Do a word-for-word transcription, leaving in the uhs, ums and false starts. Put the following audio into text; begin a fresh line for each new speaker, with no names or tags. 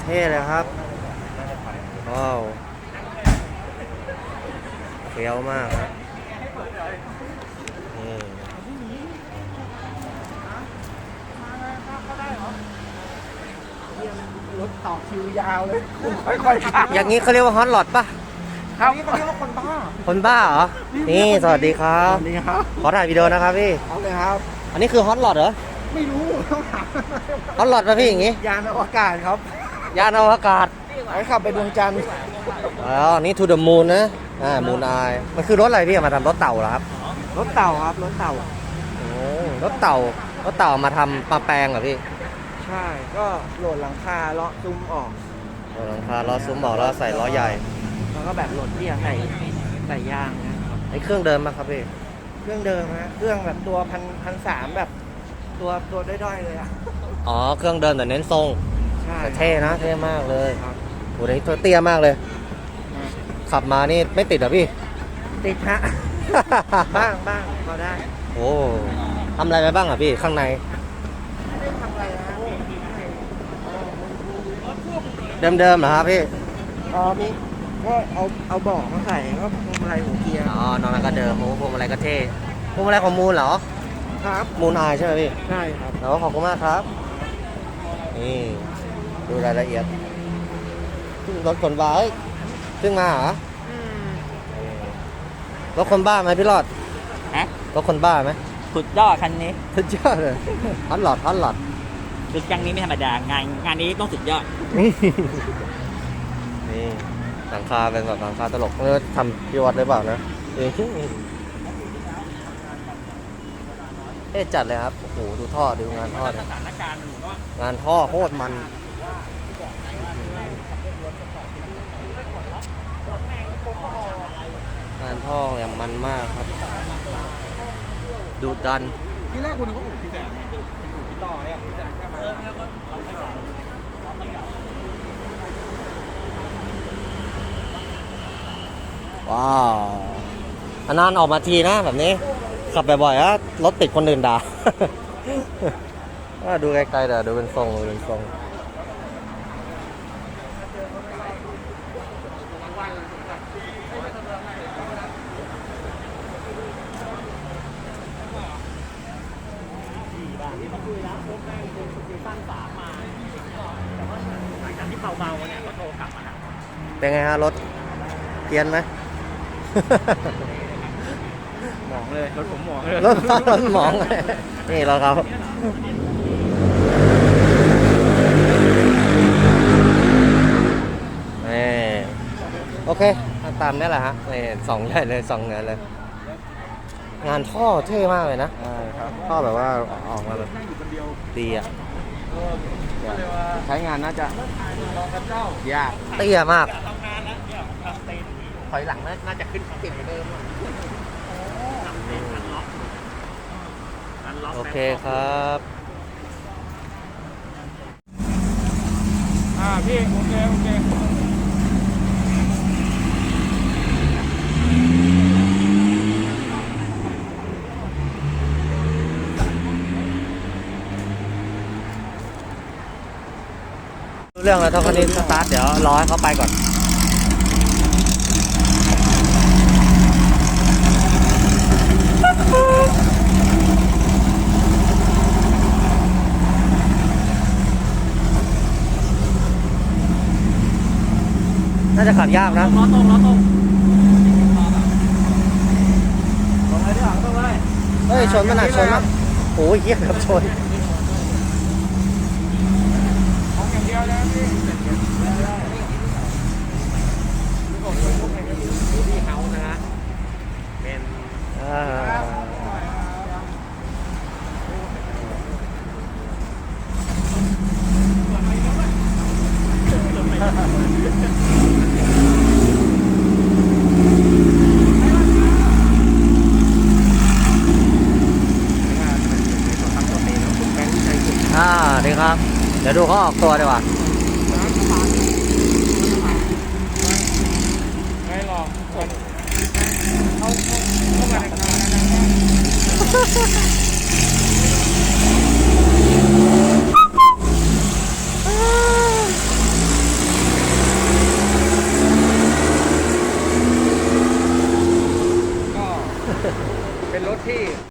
ท่เลยครับว้าวเฟี้ยวมากครับนี่
รถต่อคิวยาวเลยคุณค่อยๆขับ
อย่างนี้เขาเรียกว่าฮอตหลอดป่ะ
ครับนี่เขาเรียกว่าคนบ้า
คนบ้าเหรอนี่สวัสดีครับ
สวัสดีครับ
ขอถ่ายวิดีโอนะครับพี่
เอาเลยครับ
อันนี้คือฮอตหลอดเหรอ
ไม่รู้ต้องถาม
ฮอตหลอดป่ะพี่อย่างงี้
ยานอวกาศครับ
ยานอวกาศ
ไอ้ขับไปดวงจันทร์
อ๋อนี่ to the moon นะอ่า moon eye มันคือรถอะไรพี่มาทำรถเต่าเหรอครับ
รถเต่าครับรถเต่า
โอ้รถเต่ารถเต่ามาทำมาแปลงเหรอพี่
ใช่ก็โหลดหลังคาเลาะซุ้มออก
โหลดหลังคาล้อซุ้มบอกแล้วใส่ล้อใหญ่
แล้วก็แบบโหลดเตี้ยใส่ใส่ยางนะ
ไอ้เครื่องเดิมป่ะครับพี่
เครื่องเดิมฮะเครื่องแบบตัวพันพันสามแบบตัวตัวด้อยๆเลยอ่ะ
อ๋อเครื่องเดิมแต่เน้นทรง
ใช่
แต่เท่นะเท่มากเลย
ครับ
โหนี่ตัวเตี้ยมากเลยขับมานี่ไม่ติดเหรอพี่
ติดฮะบ้างบ้างพอได้
โอ้ทำอะไรไปบ้างอ่ะพี่ข้างใน
ไม่ได้ทำอะไรนะ
เดิมๆเหรอครับพี่
อ๋อมีก็เอาเอาเบาะมาใส่ก็พวงมาลัยหัวเกียร์
อ๋อนอกนั้นก็เดิมโอ้พวงมาลัยก็เท่พวงมาลัยของมูลเหรอ
ครับ
มูลอายใช่ไหมพี่
ใช่ครับ
แล้วขอบคุณมากครับนี่ดูรายละเอียดรถคนบ้าเอ้ยเพิ่งมาเหรอรถคนบ้าไหมพี่รอด
ฮะ
รถคนบ้าไหม
สุดยอดคันนี้
สุดยอดเลยฮอตหลอดฮอตหลอด
สุดจังนี้ไม่ธรรมดางานงานนี้ต้องสุดยอด
นี่หลังคาเป็นแบบหลังคาตลกไม่รู้ทำพี่วัดหรือเปล่านะเอ๊ะจัดเลยครับโอ้โหดูท่อดูงานท่อเลยงานท่อโคตรมันงานท่ออย่างมันมากครับดูดัน
ที่แรกคุณนึกว่าผมพี่แดงพี่ต่อเนี่ยพี่แดงแค่
มาว้าวนานออกมาทีนะแบบนี้ขับบ่อยๆอะรถติดคนอื่นด่าดูไกลๆเดี๋ยวดูเป็นทรงดูเป็นทรงเป็นไงฮะรถเกียนไหม
หมองเลยรถผมหมองเลย
รถรถหมองเลยนี่เราครับนี่โอเคตามนี้แหละฮะนี่สองใหญ่เลยสองเงินเลยงานท่อเท่มากเลยนะท่อแบบว่าออกมาแบบดีอ่ะ
ใช้งานน่าจะยาก
เตี้ยมาก
ถอยหลังน่าจะขึ้นเก่งเหมือนเดิม
โอเคครับ
อ่าพี่โอเคโอเค
เรื่องแล้วถ้าคนนี้สตาร์ทเดี๋ยวรอให้เขาไปก่อนน่าจะขับยากนะ
ล้อตรงล้อตรง
ลงเลยที่หลังตรงเลย
เฮ้ยชนมันหนักชนมันโอ้ยเยี่ยมครับชน
ของอย่างเดียวนะพี่ที่เฮานะฮะเป็น
อ่าอ่าดีครับเดี๋ยวดูเขาออกตัวดีกว่า
ไม่หรอกเขาเขาเข้ามาในคานะรถที่